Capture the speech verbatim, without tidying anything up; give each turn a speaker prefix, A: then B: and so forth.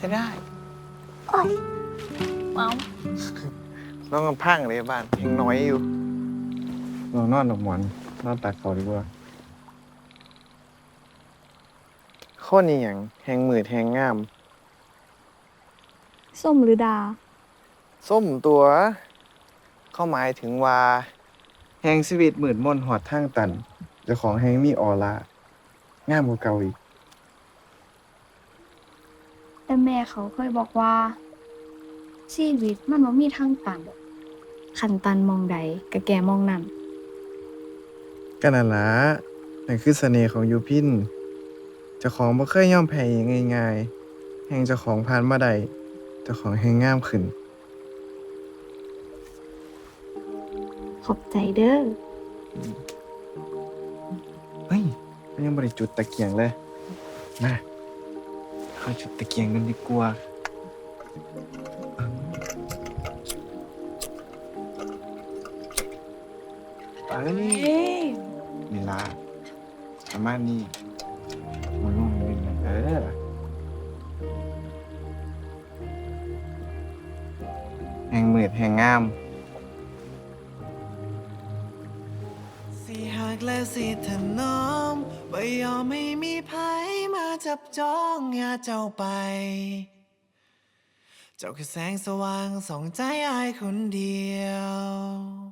A: ช้ได้
B: โอ้ย
C: เมา
A: น้องกำพังเลยบ้านยังน้อยอยู่
D: นอนนอนหนกหมอนนอนตักเขาดีกว่า
A: ข้อนี้อย่างแหงมืดแหงงาม
B: ส้มหรือดา
A: ส้มตัว เข้าหมายถึงว่า
D: แหงชีวิตมืดมนหอดทางตันเจ้าของแหงมีออร่างามกว่าเก่าอีก
B: แต่แม่เขาเคยบอกว่า ชีวิตมันบ่มีทางตันคันตันมองใดก็แก่มองนั่น
D: ก็นั่นล่ะนั่นคือเสน่ห์ของยูพินเจ้าของบ่เคยยอมแพ้ง่ายๆแหงเจ้าของผ่านมาได้เจ้าของแหงงามขึ้น
B: ขอบใจเด้อ
D: เฮ้ยมันยังบ่ได้จุดตะเกียงเลย มาเข้าจุดตะเกียงกันดีกว่าไปนี่ล่ะประมาณนี้มันนุ่มนิดนึงเออ แหงมืดแหงงาม
E: สิหักและสิถนอมบ่ยอมให้มีภัยมาจับจ้องอย่าเจ้าไป เจ้าคือแสงสว่างส่องใจอายคนเดียว